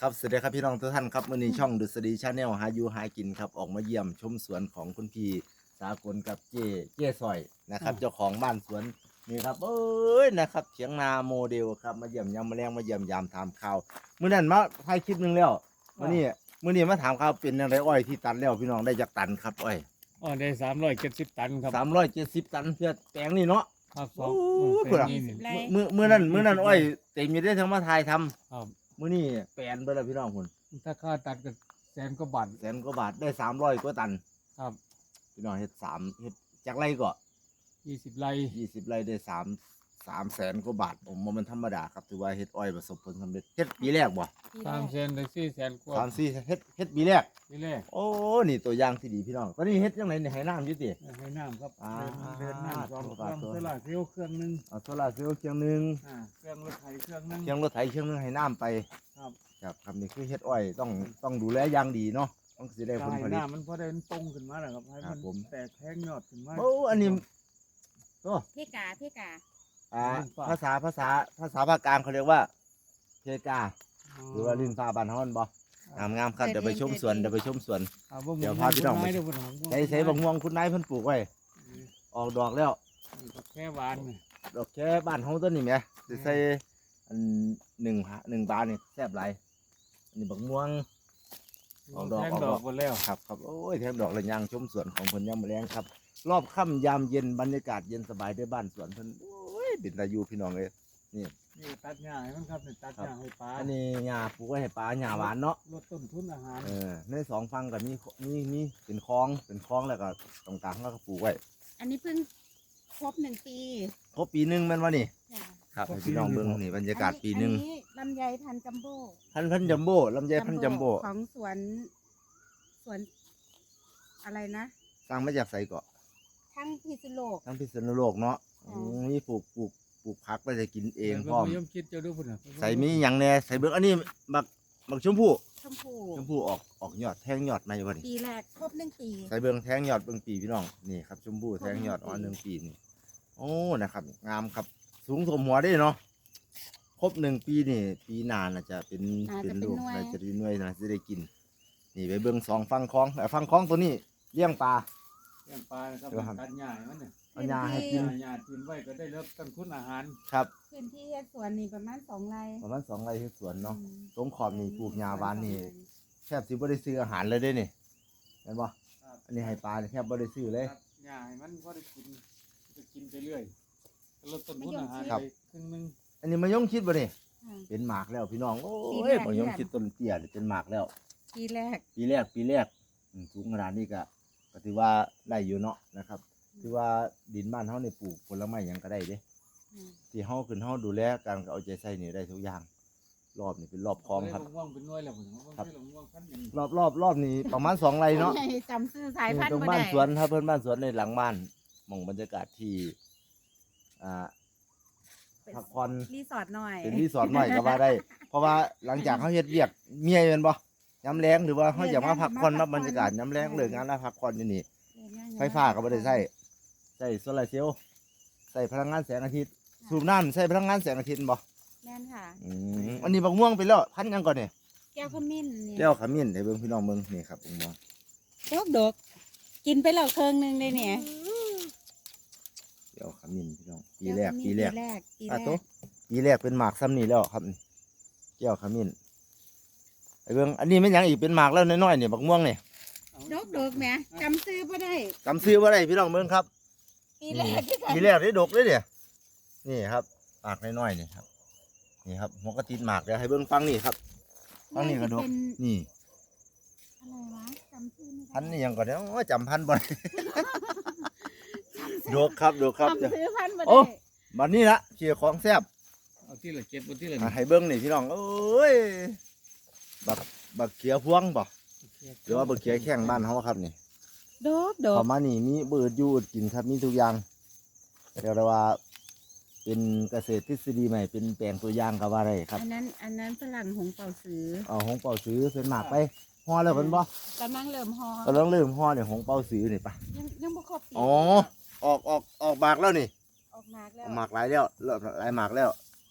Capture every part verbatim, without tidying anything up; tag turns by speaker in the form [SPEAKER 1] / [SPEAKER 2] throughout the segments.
[SPEAKER 1] ครับสวัสดีครับพี่น้องทุกท่านครับมื้อนี้ช่องดุษฎีชาแนลหาอยู่หากินครับออกมาเยี่ยมชมสวนของคุณพี่สากลกับเจ้เจ้ซอยนะครับเจ้าของบ้านสวนนี่ครับเอ้ยนะครับเถียงนาโมเดลครับมาเยี่ยมยามมาแรงมาเยี่ยมยามถามข่าวมื้อนั้นมาถ่ายคลิปหนึงแล้วมื้อนี้มื้อนี้มาถามข่าวเป็นจังไดอ้อยที่ตัดแล้วพี่น้องได้จักตันครับอ้อย
[SPEAKER 2] อ๋อได้สามร้อยเจ็ดสิบตันครับ
[SPEAKER 1] สามร้อยเจ็ดสิบตันเพื่อแปลงนี่เนาะ
[SPEAKER 2] ครับส
[SPEAKER 1] โอ้
[SPEAKER 2] อง
[SPEAKER 1] พุ่นน่ะ
[SPEAKER 2] นี่นี่
[SPEAKER 3] ไร
[SPEAKER 1] มื้อมื้อนั้นมื้อนั้นอ้อยเต็มอยู่ได้ทั้งมาถ่ายทำ
[SPEAKER 2] ครับ
[SPEAKER 1] มื้อนี้แปลนเบิดแล้วพี่น้องพุ่น
[SPEAKER 2] ถ้าค่าตัดก็แสนกว่าบาท
[SPEAKER 1] แสนกว่าบาทได้สามร้อยกว่าตัน
[SPEAKER 2] ครับ
[SPEAKER 1] พี่น้องเฮ็ดสามเฮ็ดจากไรก็
[SPEAKER 2] ยี่สิบไร่
[SPEAKER 1] ยี่สิบไรได้สามสามแสนกว่าบาทผมว่ามันธรรมดาครับถือว่าเฮ็ดอ้อยประสบผลสำเร็จเฮ็ดปีแรกบ่
[SPEAKER 2] สามแสนได้สี่แสนกว่า
[SPEAKER 1] สามสี่เฮ็ดเฮ็ดปีแรก
[SPEAKER 2] นี่แหละ
[SPEAKER 1] โอ้นี่ตัวอย่างที่ดีพี่น้องตอนนี้เฮ็ดจังไดนี่ให้น้ำอยู่ติ
[SPEAKER 2] ให้น้ำครับ
[SPEAKER 1] อ่า
[SPEAKER 2] เดินเดินน้ำสองเค
[SPEAKER 1] ตัว
[SPEAKER 2] รื่อง
[SPEAKER 1] ตัว
[SPEAKER 2] โซล่าร์เซลล์เครื่องหนึง
[SPEAKER 1] เอาโซล่าร์เซลล์เครื่องหนึง
[SPEAKER 2] อ่าเครื่องรถไถเครื่องหนึง
[SPEAKER 1] เครื่องรถไถเครื่องหนึงให้น้ำไป
[SPEAKER 2] ครับ
[SPEAKER 1] ครับครับนี่คือเฮ็ดอ้อยต้องต้องดูแลอย่างดีเนาะต้องสิได้ผล
[SPEAKER 2] ให้
[SPEAKER 1] ผลิต
[SPEAKER 2] น้ำมันพอได้มันตรงขึ้นมาแล้วครับให้
[SPEAKER 1] ครั
[SPEAKER 2] มั
[SPEAKER 1] บ
[SPEAKER 2] น
[SPEAKER 1] ผม
[SPEAKER 2] แตกแทงยอดขึ้นมา
[SPEAKER 1] โอ้อันนี้โอ้
[SPEAKER 3] พี่กาพี่กา
[SPEAKER 1] อ่าภาษาภาษาภาษาภาคกลางเขาเรียกว่าเพกา หรือว่าลิ้นฟ้าบ้านเฮามันบ่งามงามๆครับเดี๋ยวไปชมสวนเดี๋ยวไปชมสวน
[SPEAKER 2] อ่าบ่
[SPEAKER 1] เดี๋ยวพาพี่น้องไป
[SPEAKER 2] ไม้เดี๋ยวผมเอา
[SPEAKER 1] ใส่ใส่บักม่วงคุณนายเพิ่นปลูกไว้ออกดอกแล้ว
[SPEAKER 2] แค่หวานนี่
[SPEAKER 1] ดอกแค่บ้านเฮาต้นนี่แหมสิใส่อันหนึ่งหาหนึ่งบาทนี่แซ่บหลายอันนี้บักม่วง ออกดอก
[SPEAKER 2] แทง
[SPEAKER 1] ออก
[SPEAKER 2] ด
[SPEAKER 1] ด
[SPEAKER 2] อ
[SPEAKER 1] อก
[SPEAKER 2] กหมดแล้ว
[SPEAKER 1] ครับครับโอ้ยแถมดอกเลยยางชมสวนของเพิ่นยามมื้อแลงครับ รอบค่ำยามเย็นบรรยากาศเย็นสบายด้วยบ้านสวนเพิ่นโอ้ยเป็นตาอยู่พี่น้องเอ้ยนี่
[SPEAKER 2] นี่ตัดหญ้าให้มันครับนี่ตัดหญ้าให้ปลา
[SPEAKER 1] อันนี้หญ้าปลูกไว้ให้ปลาหญ้าหวานเนาะ
[SPEAKER 2] ลดต้นทุนอาหาร
[SPEAKER 1] เออในสองฝั่งก็มีมีมีเป็นคลองเป็นคลองแล้วก็ตรงกลางเขาก็ปลูกไว้
[SPEAKER 3] อันนี้เพิ่งครบหนึ่งปี
[SPEAKER 1] ครบปีหนึงแม่นบ่นี่
[SPEAKER 3] จ้ะ
[SPEAKER 1] ครับให้พี่น้องเบิ่งนี่บรรยากาศปีหนึง
[SPEAKER 3] อัลำไยพันธุ์จัมโบ้
[SPEAKER 1] พันพันจัมโบ้ลำไยพันจัมโบ้
[SPEAKER 3] ของสวน สวน อะไรนะ
[SPEAKER 1] สร้างมาจากไสเกาะ
[SPEAKER 3] ทั้งพิษณุโลก
[SPEAKER 1] ทั้งพิษณุโลกเนาะ
[SPEAKER 3] อ๋
[SPEAKER 1] อื
[SPEAKER 3] อ
[SPEAKER 1] มมีปลูกปลูกปลูกผักไว้จะกินเอง
[SPEAKER 2] ดี๋ยว
[SPEAKER 1] พร้อม
[SPEAKER 2] ยมคิดเจะดูพุ่นน่ะ
[SPEAKER 1] ใส่มีหยังแหน่ใส่เบิ่งอันนี้บักบักชมพู่
[SPEAKER 3] ชมพู
[SPEAKER 1] ชมพู่ออกออกยอดแทงยอดมาอยู่บ่นี่
[SPEAKER 3] ปีแรกครบหนึ่งปี
[SPEAKER 1] ใส่เบิ่งแทงยอดเบิ่งปีพี่น้องนี่ครับชมพู่แทงยอดอ๋อหนึ่งปีนี่โอ้นะครับงามครับสูงสมหัวได้เนาะครบหนึ่งปีนี่ปีหน้าน่าจะเป็นเป็นลูกน่าจะได้หน่วยน่าจะได้กิน นี่ไปเบิ่งสองฟังคลองแต่ฟังคลองตัวนี้เลี้ยงปลา
[SPEAKER 2] เลี้ยงปลานะครับ
[SPEAKER 1] เดี๋ยวครับ
[SPEAKER 2] ตัดหญ้าให้มันเนี่ย
[SPEAKER 1] เอาหญ้าให้กิน
[SPEAKER 2] หญ้ากินไว้ก็ได้ลดต้นทุนอาหาร
[SPEAKER 1] ครับ
[SPEAKER 3] พื้นที่เฮ็ดสวนนี่ประมาณสองไร่
[SPEAKER 1] ประมาณสองไร่ที่สวนเนาะ
[SPEAKER 3] อืม
[SPEAKER 1] ตรงขอบนี่ปลูกหญ้าหวานนี่แทบสิบ่ได้ซื้ออาหารเลยเด้นี่เห็นบ่
[SPEAKER 2] ครับ
[SPEAKER 1] อันนี้ให้ปลานี่แทบบ่ได้ซื้อเลย
[SPEAKER 2] ตัดหญ้าให้มันพอได้กินจะกินไปเรื่อยลดต้นทุนอาหาร
[SPEAKER 1] ครับ
[SPEAKER 2] ไปครึ่งหนึง
[SPEAKER 1] อันนี้มายงคิดบ่นี่
[SPEAKER 3] อ่า
[SPEAKER 1] เป็นหมากแล้วพี่น้องโอ้
[SPEAKER 3] ปี
[SPEAKER 1] ย
[SPEAKER 3] แรก
[SPEAKER 1] มายงคิดต้นเตี้ยนี่เป็นหมากแล้ว
[SPEAKER 3] ปีแรก
[SPEAKER 1] ปีแรกปีแรกอืมสูงขนาดนี้ก็ก็ถือว่าได้อยู่เนาะนะครับถือว่าดินบ้านเฮานี่ปลูกผลไม้หยังก็ได้เด้
[SPEAKER 3] อืม
[SPEAKER 1] ที่เฮาขึ้นเฮาดูแลการเอาใจใส่นี่ได้ทุกอย่าง รอบนี่เป็นรอบคลองครับ
[SPEAKER 2] ได้ลงม่วงเป็นหน่วยแล้วผมว่า
[SPEAKER 1] ครับ
[SPEAKER 2] ได้ลงม่วงพันหนึ่ง
[SPEAKER 1] รอบรอบรอบนี้ประมาณสองไร่เนาะ
[SPEAKER 3] จำชื่อสายพัน
[SPEAKER 1] ตร
[SPEAKER 3] ธุ์
[SPEAKER 1] ง
[SPEAKER 3] บ่
[SPEAKER 1] บ้าน
[SPEAKER 3] ได้
[SPEAKER 1] สวนครับเพื่อนบ้านสวนในหลังบ้านมองบรรยากาศที่อ่า
[SPEAKER 3] เป็น
[SPEAKER 1] พักผ่อน
[SPEAKER 3] รีสอร์ทหน่อย
[SPEAKER 1] เป็นรีสอร์ทหน่อยก็ว่าได้ เพราะว่าหลังจากเขาเฮ็ดเวียกเมียเป็นบ่ย้ำแรงหรือว่าเขาอยากมาพักผ่อนรับบรรยากาศย้ำแรงเลิกงานแล้วพักผ่อนอยู่นี่ไฟฟ้าก็บ่ได้ใช้ใช้โซลาร์เซลล์ใส่พลังงานแสงอาทิตย์สูบน้ำใส่พลังงานแสงอาทิตย์บ่
[SPEAKER 3] แม่นค่ะ
[SPEAKER 1] อืมอันนี้บักม่วงไปแล้วพันยังก่อนเนี่ย
[SPEAKER 3] แก้วขมิ้นนี่
[SPEAKER 1] แก้วขมิ้นให้เบิ่งพี่น้องเบิ่งนี่ครับบักม่วง
[SPEAKER 3] ดอกดอกกินไปแล้วเครื่องหนึงเลยเนี่ย
[SPEAKER 1] แก้วขมิ้นพี่น้องปีแรกปีแรก
[SPEAKER 3] ปีแรกปี
[SPEAKER 1] อ่ะ
[SPEAKER 3] แร
[SPEAKER 1] โต
[SPEAKER 3] ก
[SPEAKER 1] ปีแรกเป็นหมากซ้ำนี่แล้วครับนี่แก้วขมิ้นไอ้เบิ่งอันนี้ไม่นหยังอีกเป็นหมากแล้วน้อยๆนี่บักม่วงนี่
[SPEAKER 3] ดอกดอกแหม่จำซื้อบ่ได้
[SPEAKER 1] จำซื้อว่าได้พี่น้องเบิ่งครับ
[SPEAKER 3] ปีแรกที่
[SPEAKER 1] ปีแรกได้ดกเลยเนี่ยนี่ครับหมากน้อยๆนี่ครับนี่ครับหัวกระติดหมากเดี๋ยวให้เบิ่งฟังนี่ครับฟังนี่กระดก
[SPEAKER 3] เป็น
[SPEAKER 1] นี่
[SPEAKER 3] อะไรวะจำชื่อไม่ได้
[SPEAKER 1] พันนี่ยังก่อนเดี๋ยวโอ้ยจำพันบ่ได้ ดกครับดกครับ
[SPEAKER 3] จำซื้อพันธุ์บ่
[SPEAKER 1] โอ้
[SPEAKER 3] ได้
[SPEAKER 1] บัดนี้ละเชียร์ของแซ่บ
[SPEAKER 2] เอาที่ละเก็บบนที่ละ
[SPEAKER 1] อ่ะให้เบิ่งนี่พี่น้องเอ้ยบักบักเขียพวงบ่หรือว่าบักเขียแข้งบ้านเฮาครับนี่
[SPEAKER 3] ดอกดอก
[SPEAKER 1] พอมานี่มีเบิดอยู่อดกินครับมีทุกอย่างเรียกได้ว่า เป็นเกษตรทฤษฎีใหม่เป็นแปลงตัวอย่างก็ว่าได้ครับ
[SPEAKER 3] อันนั้นอันนั้นฝรั่งหงเป่าซื้อ
[SPEAKER 1] เอาหงเป่าซื้อเป็นหมากไปห่อแล้วเพิ่นบ่
[SPEAKER 3] กำลังเริ่มฮอ
[SPEAKER 1] ก็ต้องเริ่มห่อเนี่ยหงเป่าซื้อนี่ปะ
[SPEAKER 3] ยังยังบ่ครบปี
[SPEAKER 1] อ๋อออกออกออกหมากแล้วนี่
[SPEAKER 3] ออกมากแล้
[SPEAKER 1] อ
[SPEAKER 3] ว
[SPEAKER 1] อกหมากหลายแล้วเริ่มหลายหมากแล้ว ไฟ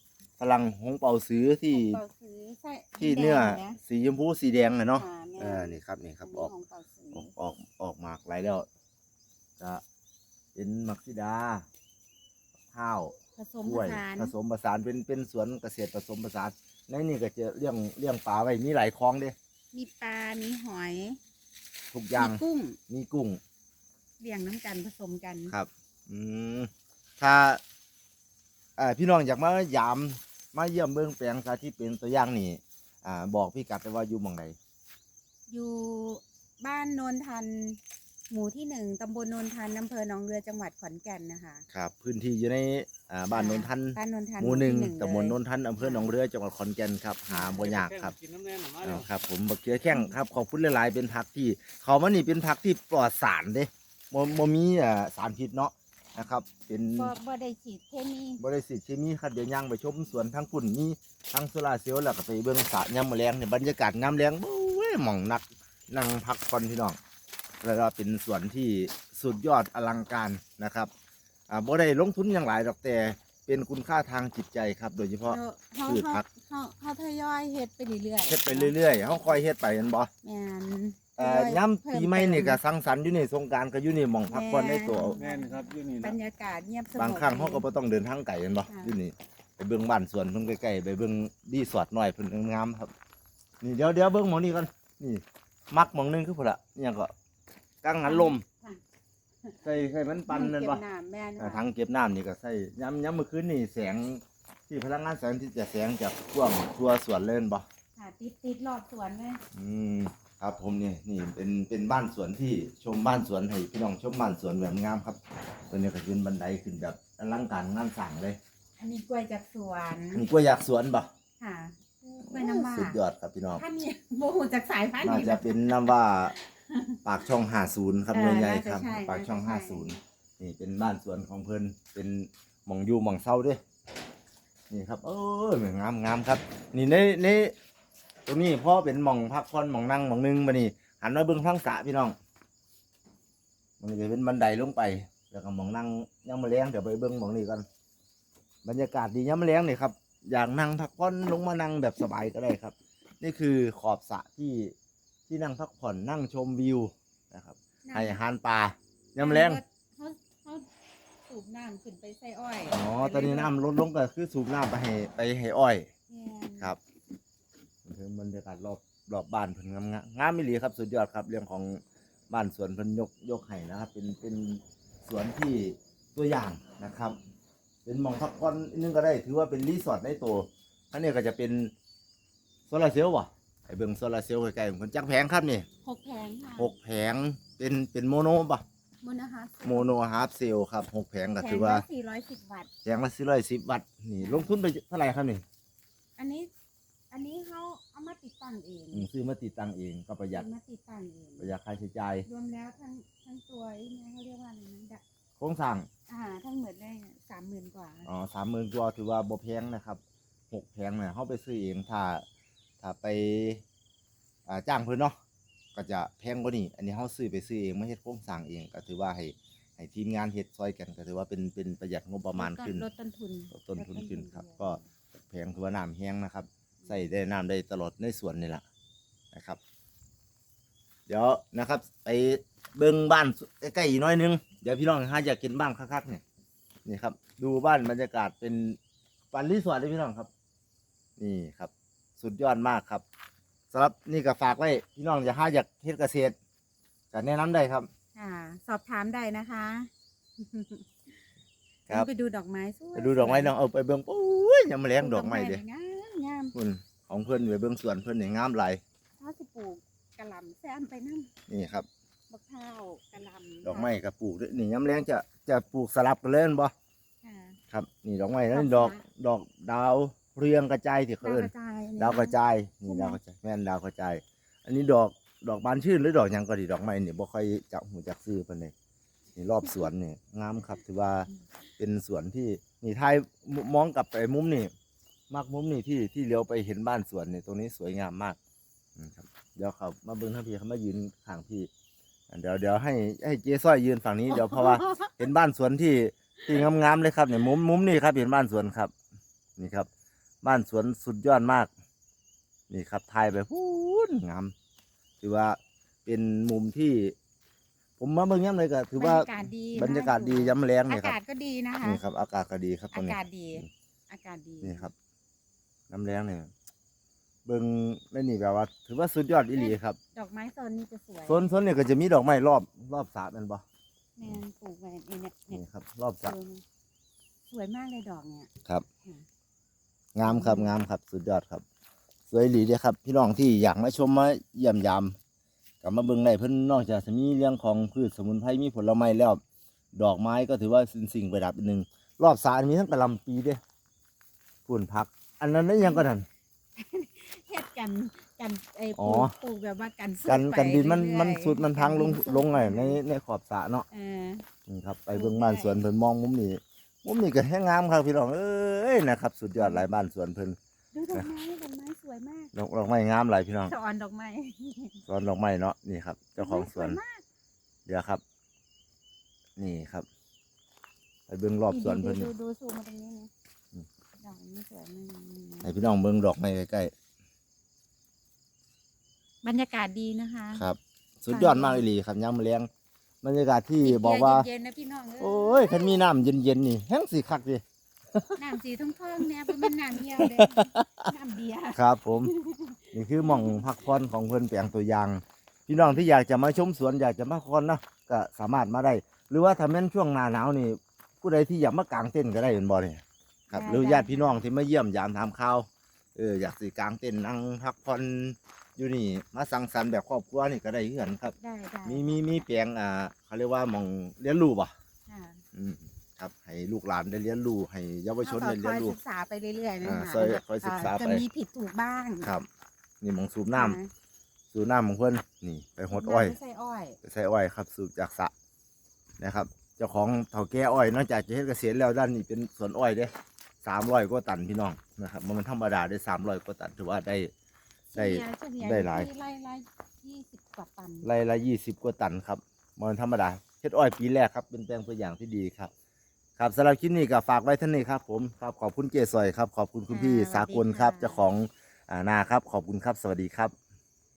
[SPEAKER 1] ลังหงเป่าซื้อที่
[SPEAKER 3] เป่าซื้อใส่
[SPEAKER 1] ที่เนื้อ
[SPEAKER 3] แดงนะ
[SPEAKER 1] สีชมพูสีแดงน่ะเนาะ
[SPEAKER 3] ค่ะแม่
[SPEAKER 1] เออนี่ครับนี่ครับออก
[SPEAKER 3] ของเป่าซื้อ
[SPEAKER 1] ออกออกออกหมากหลายแล้วจะเป็นมักซิดาข้าว
[SPEAKER 3] ผสม
[SPEAKER 1] กล้วย
[SPEAKER 3] ผสาน
[SPEAKER 1] ผสมผสานเป็นเป็นสวนเกษตรผสมผสานในนี่ก็จะเลี้ยงเลี้ยงปลาไว้มีหลายคลองเด้
[SPEAKER 3] มีปลา มีหอย
[SPEAKER 1] ทุกอย่าง
[SPEAKER 3] มีกุ้ง
[SPEAKER 1] มีกุ้ง
[SPEAKER 3] เลี้ยงน้ำกันผสมกัน
[SPEAKER 1] ครับ อืมถ้าเอ่อพี่น้องอยากมายามมาเยี่ยมเบื้องแปลงสาธิตเป็นตัวอย่างนี่อ่าบอกพี่กัดไปว่าอยู่หมองใด
[SPEAKER 3] อยู่บ้านโนนทัน หมู่ที่หนึ่งตำบลโนนทันอำเภอหนองเรือจังหวัดขอนแก่นนะคะ
[SPEAKER 1] ครับ พื้นที่อยู่ในอ่าบ้านโนนทัน
[SPEAKER 3] บ้านโนนทัน
[SPEAKER 1] หมู่หนึ่ง
[SPEAKER 3] ที่
[SPEAKER 1] ตำบล
[SPEAKER 3] เลย
[SPEAKER 1] โนนทันอำเภอหนองเรือจังหวัดขอนแก่นครับหาบ่ยากครับ
[SPEAKER 2] กินน้ำแน่นหน่อยมา
[SPEAKER 1] อ่า
[SPEAKER 2] เดี๋ยว
[SPEAKER 1] ครับผมบักเขือแข้งครับขอบคุณหลายๆเป็นผักที่เขามานี่เป็นผักที่ปลอดสารเด้บ่บ่มีอ่าสารพิษเนาะนะครับ เป็น
[SPEAKER 3] บ่บ่ได้ฉีดเคมี
[SPEAKER 1] บริสิทธิ์เคมีครับเดี๋ยวย่างไปชมสวนทั้งปุ่นมีทั้งโซลาร์เซลล์แล้วก็ไปเบิ่งสระยามมื้อแลงเนี่ยบรรยากาศยามแลงโอ้ยหม่องนักนั่งพักผ่อนพี่น้องแล้วก็เป็นสวนที่สุดยอดอลังการนะครับอ่าบ่ได้ลงทุนอย่างหลายดอกแต่เป็นคุณค่าทางจิตใจครับ โดยเฉพาะ
[SPEAKER 3] เฮา
[SPEAKER 1] พืช
[SPEAKER 3] เฮา
[SPEAKER 1] ผัก
[SPEAKER 3] เฮาเฮาทยอยเฮ็ดไปเรื่อยๆ
[SPEAKER 1] เฮ็ดไปเรื่อยๆเฮาคอยเฮ็ดไปแม่นบ่
[SPEAKER 3] แม่น
[SPEAKER 1] เอ่อย่ำปีใหม่นี่ก็สังสรรค์อยู่นี่สงกรานต์ก็อยู่นี่หม่องพักผ่อนในตัว
[SPEAKER 2] แน่นครับอยู่นี่
[SPEAKER 3] บร
[SPEAKER 2] นะ
[SPEAKER 3] รยากาศเงียบสงบบ
[SPEAKER 1] างครั้งเฮาก็บ่ต้องเดินทางไกลแม่นบ่
[SPEAKER 3] ค่ะ
[SPEAKER 1] อยู่นี่ไปเบิ่งบ้านสวนเพิ่นใกล้ๆไปเบิ่งรีสอร์ทน้อยเพิ่นงามๆครับ นี่เดี๋ยวเดี๋ยวเบิ่งหมองนี้ก่อนนี่มักหมองหนึงคือพุ่นล่ะนี่หยังก็กังหันลม
[SPEAKER 3] ค่ะ
[SPEAKER 1] ใส่ใส่มันปั่นนั่นบ่
[SPEAKER 3] เก็บน้ำแม่น
[SPEAKER 1] อ่า
[SPEAKER 3] ค่ะ
[SPEAKER 1] ถังเก็บน้ำนี่ก็ใส่ยามยามมื้อคืนนี่แสงที่พลังงานแสงที่จะแสงจากท่วงทั่วสวนเลยแม่นบ่
[SPEAKER 3] ค่ะติดติดรอบสวนเลย
[SPEAKER 1] อืมครับผมนี่นี่เป็นเป็นบ้านสวนที่ชมบ้านสวนให้พี่น้องชมบ้านสวนแบบงามครับตัวนี้ก็ขึ้นบันไดขึ้นแบบอลังการงานสร้างเลย
[SPEAKER 3] อันนี้กล้วยจากสวน
[SPEAKER 1] มีกล้วยอยากสวนบ่
[SPEAKER 3] ค่ะกล้วยน้ำว้า
[SPEAKER 1] สุดยอดครับพี่น้อง
[SPEAKER 3] ท่านนี่โมโหจากสายพันธุ์
[SPEAKER 1] น่า
[SPEAKER 3] นี้
[SPEAKER 1] จะเป็นน้ำว่าปากช่องห้าสิบครับ
[SPEAKER 3] เออ
[SPEAKER 1] หน่วยใหญ่
[SPEAKER 3] น่าจะ
[SPEAKER 1] ครับ
[SPEAKER 3] ใช่
[SPEAKER 1] ปากช่อง
[SPEAKER 3] น่า
[SPEAKER 1] ห้า
[SPEAKER 3] จะ
[SPEAKER 1] สิบ
[SPEAKER 3] ใช่
[SPEAKER 1] นี่เป็นบ้านสวนของเพิ่นเป็นหม่องอยู่หม่องเศร้าเด้วยนี่ครับเอองามงามครับ นี่ในในตรงนี้พ่อเป็นหม่องพักผ่อนหม่องนั่งหม่องหนึงมานี่หันมาเบิ่งทางสระพี่น้องมันจะเป็นบันไดลงไปแล้วก็หม่องนั่งยังมาแรงเดี๋ยวไปเบิ่งหม่องนี้กันบรรยากาศดียังมาแรงนี่ครับอยากนั่งพักผ่อนลงมานั่งแบบสบายก็ได้ครับ นี่คือขอบสระที่ที่นั่งพักผ่อนนั่งชมวิวนะครับให้อาหารปลายามแรง
[SPEAKER 3] เขาเขาสูบน้ำขึ้นไปใส่อ้อย
[SPEAKER 1] อ๋อตอนนี้น้ำลดลงก็คือสูบน้ำไปให้ไปให้อ้อย
[SPEAKER 3] แม่น
[SPEAKER 1] ครับคือบรรยากาศรอบรอบบ้านเพิ่นงามงามมิลีครับสุดยอดครับเรื่องของบ้านสวนเพิ่นยกยกให้นะครับ เป็นเป็นสวนที่ตัวอย่างนะครับ เป็นหม่องพักผ่อนอีกนึงก็ได้ ถือว่าเป็นรีสอร์ทในตัวอันนี้ก็จะเป็นโซลาร์เซลล์ว่ะไอ้เบิ่งโซลาร์เซลล์ใกล้ๆผมจักแผงครับนี่
[SPEAKER 3] หกแผงค่ะ
[SPEAKER 1] หกแผงเป็นเป็นโมโนป่ะ
[SPEAKER 3] มูลนะคะ
[SPEAKER 1] โมโนฮาร์ฟเซลล์ครับหกแผงก็ถือว่า
[SPEAKER 3] สี่ร้อยสิบวัตต์
[SPEAKER 1] แผงละสี่ร้อยสิบวัตต์นี่ลงทุนไปเท่าไหร่ครับนี่
[SPEAKER 3] อันนี้ อันนี้เขาเอามาติดตั้งเอง
[SPEAKER 1] อืมซื้อมาติดตั้งเองก็ประหยัด
[SPEAKER 3] เอามาติดตั้งเอง
[SPEAKER 1] ประหยัดค่าใช้จ่าย
[SPEAKER 3] รวมแล้วทั้งทั้งตัวไอ้เนี่ยเขาเรียกว่าอะไรนะดะ
[SPEAKER 1] โครงสร้าง
[SPEAKER 3] อ่าทั้งหมดได้สามหมื่นกว่า
[SPEAKER 1] อ๋อสามหมื่นกว่าถือว่าบ่แพงนะครับหกแพงเนี่ยเขาไปซื้อเองถ้าถ้าไปอ่าจ้างเพิ่นเนาะก็จะแพงกว่านี้อันนี้เขาซื้อไปซื้อเองไม่เฮ็ดโครงสร้างเองก็ถือว่าให้ให้ทีมงานเฮ็ดซอยกันก็ถือว่าเป็นเป็นประหยัดงบประมาณขึ้น
[SPEAKER 3] ลดต้นทุน
[SPEAKER 1] ลดต้นทุนขึ้นครับ
[SPEAKER 3] ลด
[SPEAKER 1] ก็
[SPEAKER 3] ต้นทุน
[SPEAKER 1] แพงถือว่าน้ำแห้งนะครับใส่ได้น้ำได้ตลอดในสวนนี่แหละนะครับ เดี๋ยวนะครับ ไปเบิ่งบ้านใกล้ๆอีกหน้อยนึงเดี๋ยวพี่น้องหาอยากกินบ้านคักๆเนี่ยนี่ครับ ดูบ้านบรรยากาศเป็นปันรีสอร์ทเลยพี่น้องครับ นี่ครับ สุดยอดมากครับสำหรับนี่ก็ฝากไว้พี่น้องจะหาอยากเฮ็ดเกษตรก็แนะนำได้ครับ
[SPEAKER 3] ค่ะ สอบถามได้นะคะ
[SPEAKER 1] ครับ
[SPEAKER 3] ไปดูดอกไม้สวย
[SPEAKER 1] ไปดูดอกไม้น้องเอาไปเบิ่งปุ้ยยังมาแรงดอกไม้เด้
[SPEAKER 3] งามงาม
[SPEAKER 1] คุณของเพิ่นไปเบิ่งสวนเพิ่นนี่งามหลาย
[SPEAKER 3] ถ้าสิปลูกกะหล่ำแซมไปนั่ง
[SPEAKER 1] นี่ครับ
[SPEAKER 3] บักเท้าวกะหล่ำ
[SPEAKER 1] ดอกไม้ก็ปลูกด้วยนี่ยามแรงจะจะปลูกสลับกันเล่นบ่
[SPEAKER 3] ค่ะ
[SPEAKER 1] ครับนี่ดอกไม้นั่น
[SPEAKER 3] ด
[SPEAKER 1] ด
[SPEAKER 3] อ
[SPEAKER 1] อก กดอกดาวเรืองกระจายที่เขา
[SPEAKER 3] ดาว
[SPEAKER 1] เอิ้
[SPEAKER 3] ก
[SPEAKER 1] น
[SPEAKER 3] ระจายอันนี้
[SPEAKER 1] ดาวกระจายนี่
[SPEAKER 3] ใช่ไหม
[SPEAKER 1] ดาวกระจายแม่นดาวกระจาย อันนี้ดอกดอกบานชื่นหรือดอกหยังก็ดีดอกไม้นี่บ่ค่อยจักหูจักซื้อปานใดนี่รอบสวนนี่งามครับถือว่าเป็นสวนที่นี่ท้ายมองกลับไปมุมนี่มากมุมนี่ที่ที่เลี้ยวไปเห็นบ้านสวนนี่ตรงนี้สวยงามมากอืมครับเดี๋ยวเขามาเบิ่งทางพี่เขามายืนข้างพี่อ่ะเดี๋ยวเดี๋ยวให้ให้เจ๊ซ้อยยืนฝั่งนี้เดี๋ยวเพราะว่า เห็นบ้านสวนที่ที่งามๆเลยครับเนี่ยมุมมุมนี่ครับเห็นบ้านสวนครับ นี่ครับบ้านสวนสุดยอดมากนี่ครับถ่ายไปพูนงามถือว่าเป็นมุมที่ ผมมาเบิ่งย้ำเลยก็ถือว่า
[SPEAKER 3] บรรยากาศดี
[SPEAKER 1] บรรยากาศดี
[SPEAKER 3] น่อยู่
[SPEAKER 1] ย้ำแรง
[SPEAKER 3] อา
[SPEAKER 1] นี่ครับ
[SPEAKER 3] กาศก็ดีนะคะ
[SPEAKER 1] นี่ครับอากาศก็ดีครับตร
[SPEAKER 3] อาง
[SPEAKER 1] นี้
[SPEAKER 3] กาศดี อากาศดี
[SPEAKER 1] นี่ครับน้ำแรงเนี่ยเบิ่งในนี่แบบว่า ถือว่าสุดยอดอีหลีครับ
[SPEAKER 3] ดอกไม้โซนนี้จะสวย
[SPEAKER 1] โซนโซนเนี่ยก็จะมีดอกไม้รอบรอบสระแมันบ่
[SPEAKER 3] แมนปลูกไว้เนี่ยเนี่ยเนี่ย
[SPEAKER 1] นี่ครับ รอบสระ
[SPEAKER 3] เออสวยมากเลยดอกเนี่ย
[SPEAKER 1] ครับ
[SPEAKER 3] อืม
[SPEAKER 1] งามครับงามครับสุดยอดครับ สวยอีหลีเด้อครับพี่น้องที่อยากมาชมมาเยี่ยมยามกลับมาเบิ่งได้เพิ่นนอกจากจะมีเรื่องของพืชสมุนไพรมีผลไม้แล้ว ดอกไม้ก็ถือว่าเป็นสิ่งประดับอีกหนึ่งรอบสระมีทั้งกะหล่ำปีเด้ฝุ่นพัก อันนั้นได้ยังก็นั่น
[SPEAKER 3] เฮ็ดกันกันไอ้ป
[SPEAKER 1] อ๋
[SPEAKER 3] ลู
[SPEAKER 1] อ
[SPEAKER 3] กปลูกแบบว่ากันสุด
[SPEAKER 1] กัน
[SPEAKER 3] ไป
[SPEAKER 1] กันดินมัน
[SPEAKER 3] เรื่อยๆ
[SPEAKER 1] มันสุดมันพังลง
[SPEAKER 3] กันดินสุด
[SPEAKER 1] ลงไงในในขอบสระเนาะ
[SPEAKER 3] เออ
[SPEAKER 1] นี่ครับไปเบิ่งบ้านสวนเพิ่นมองมุมนี้มุมนี้ก็แห้งงามครับพี่น้องเอ้ยนะครับสุดยอดหลายบ้านสวนเพิ่น
[SPEAKER 3] ดูดอกไม้ดอกไม้สวยมาก
[SPEAKER 1] ดอกดอกไม้งามหลายพี่น้อง
[SPEAKER 3] สอนดอกไม้
[SPEAKER 1] สวนดอกไม้เนาะนี่ครับ เจ้าของสวน
[SPEAKER 3] ดกไม้ยมาก
[SPEAKER 1] เดี๋ยวครับ นี่ครับ ไปเบิ่งรอบสวนเพิ่น
[SPEAKER 3] ดูดูดูซูมมาตรงนี้นะดอกนี้สวยมาก
[SPEAKER 1] ให้พี่น้องเบิ่งดอกไม้ใกล้
[SPEAKER 3] บรรยากาศดีนะคะ
[SPEAKER 1] ๆครับ สุดยอดมากอีหลีครับยามมื้อแลงบรรยากาศที่บอกว่า
[SPEAKER 3] เย็นๆนะพี่น้องเ
[SPEAKER 1] โอ้ยคันมีน้ำเย็นๆนี่แห้งสิคักดิ
[SPEAKER 3] น้ำสีทองๆเนี่ยเป็นมันน้ำเยี่ยวเลยน้ำเบียร์
[SPEAKER 1] ครับผม นี่คือหม่องพักผ่อนของเพิ่นแปลงตัวอย่าง พี่น้องที่อยากจะมาชมสวนอยากจะมาพักผ่อนเนาะก็สามารถมาได้ หรือว่าถ้าแม่นช่วงหน้าหนาวนี่ ผู้ใดที่อยากมากางเต็นท์ก็ได้เห็นบ่เนี่ยครับหรือญาติพี่น้องที่มาเยี่ยมยามถามข่าวเอออยากสิกางเต็นท์นั่งพักผ่อนอยู่นี่มาสังสรรค์แบบครอบครัวนี่ก็ได้เหมือนกันครับ
[SPEAKER 3] ได้ได้
[SPEAKER 1] มีมีมีแปลงอ่าเขาเรียกว่าหม่องเรียนรู้ป่ะ
[SPEAKER 3] ค่ะ
[SPEAKER 1] อืมครับให้ลูกหลานได้เรียนรู้ให้เยาวชน
[SPEAKER 3] เรา
[SPEAKER 1] ได้
[SPEAKER 3] ก็
[SPEAKER 1] เรี
[SPEAKER 3] ค
[SPEAKER 1] ย
[SPEAKER 3] อน ย
[SPEAKER 1] รู้
[SPEAKER 3] ศึกษาไปเรื่อยๆนะ
[SPEAKER 1] อ่า
[SPEAKER 3] คะ
[SPEAKER 1] ซอยคอยศึกษา
[SPEAKER 3] จะ
[SPEAKER 1] ไป
[SPEAKER 3] มีผิดถูกบ้าง
[SPEAKER 1] ครับ นี่หม่องสูบน้ำ
[SPEAKER 3] อ่า
[SPEAKER 1] สูบน้ำของเพิ่นนี่ไปหดอ้อย
[SPEAKER 3] ไม่ใช่อ้อย
[SPEAKER 1] ไปใส่อ้อยครับสูบจากสระนะครับ เจ้าของเถาแก่อ้อยนอกจากจะเฮ็ดเกษตรแล้วด้านนี้เป็นสวนอ้อยเด้สามร้อยกว่าตันพี่น้องนะครับมันธรรมดาได้สามร้อยกว่าตันถือว่าได้ ได้
[SPEAKER 3] เฉลี่ย
[SPEAKER 1] ได้หลาย
[SPEAKER 3] ที่ไร่ไร่ยี่สิบกว่าตัน
[SPEAKER 1] ไร่ละยี่สิบกว่าตันครับมันธรรมดาเฮ็ดอ้อยปีแรกครับเป็นแปลงตัวอย่างที่ดีครับ ครับสำหรับคลิปนี้ก็ฝากไว้เท่านี้ครับผมครับขอบคุณเจสอยครับขอบคุณคุณพี่สากลครับเจ้าของอ่านาครับขอบคุณครับสวัสดีครับ